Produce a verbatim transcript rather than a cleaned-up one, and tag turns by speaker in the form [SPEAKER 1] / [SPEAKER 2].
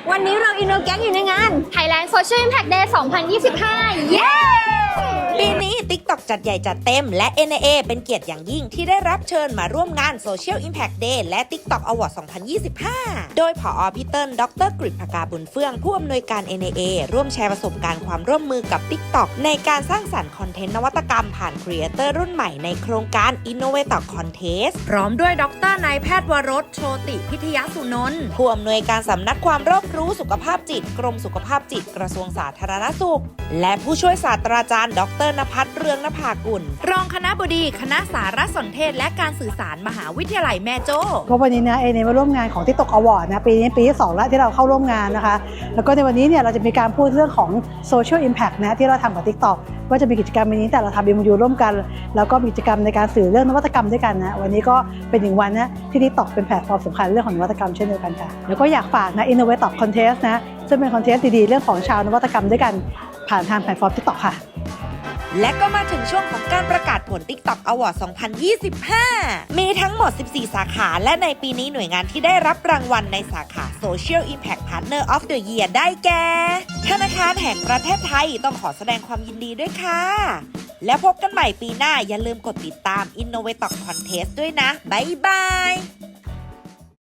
[SPEAKER 1] วันนี้เราอินโนแก๊งอยู่ในงาน
[SPEAKER 2] Thailand Social Impact Day สองพันยี่สิบห้า เย้
[SPEAKER 3] ปีนี้ TikTok จัดใหญ่จัดเต็มและ เอ็น ไอ เอ เป็นเกียรติอย่างยิ่งที่ได้รับเชิญมาร่วมงาน Social Impact Day และ TikTok Award สองพันยี่สิบห้า โดยผอ.พี่เติ้ล ดร.กฤษภกาบุญเฟื่อง ผู้อำนวยการ เอ็น ไอ เอ ร่วมแชร์ประสบการณ์ความร่วมมือกับ TikTok ในการสร้างสรรค์คอนเทนต์นวัตกรรมผ่านครีเอเตอร์รุ่นใหม่ในโครงการ Innovator Contest พร้อมด้วยดร.นายแพทย์วรส โชติพิทยสุนนท์ผู้อำนวยการสำนักความรอบรู้สุขภาพจิตกรมสุขภาพจิตกระทรวงสาธารณสุขและผู้ช่วยศาสตราจารย์ ดร.ณภัทร เรืองนภากุลรองคณบดีคณะสารสนเทศและการสื่อสารมหาวิทยาลัยแม่โจ้
[SPEAKER 4] ก็วันนี้นะเอเนมาร่วมงานของ TikTok Award นะปีนี้ปีที่สองแล้วที่เราเข้าร่วมงานนะคะแล้วก็ในวันนี้เนี่ยเราจะมีการพูดเรื่องของ Social Impact นะที่เราทำกับ TikTok ว่าจะมีกิจกรรมวันนี้แต่เราทำ เอ็ม ยู ร่วมกันแล้วก็มีกิจกรรมในการสื่อเรื่องนวัตกรรมด้วยกันนะวันนี้ก็เป็นหนึ่งวันนะที่ TikTok เป็นแพลตฟอร์มสำคัญเรื่องของนวัตกรรมเช่นเดียวกันค่ะแล้วก็อยากฝากนะ Innovator Contest นะซึ่งเป็นคอนเทสต์ดีๆเรื่องของชาวนวัตกรรมด้วยกันผ่านทางแพลตฟอร์ม TikTok ค่ะ
[SPEAKER 3] และก็มาถึงช่วงของการประกาศผล TikTok Award สองพันยี่สิบห้า มีทั้งหมด สิบสี่ สาขาและในปีนี้หน่วยงานที่ได้รับรางวัลในสาขา Social Impact Partner of the Year ได้แก่ธนาคารแห่งประเทศไทยต้องขอแสดงความยินดีด้วยค่ะแล้วพบกันใหม่ปีหน้าอย่าลืมกดติดตาม Innovator Contest ด้วยนะบ๊ายบาย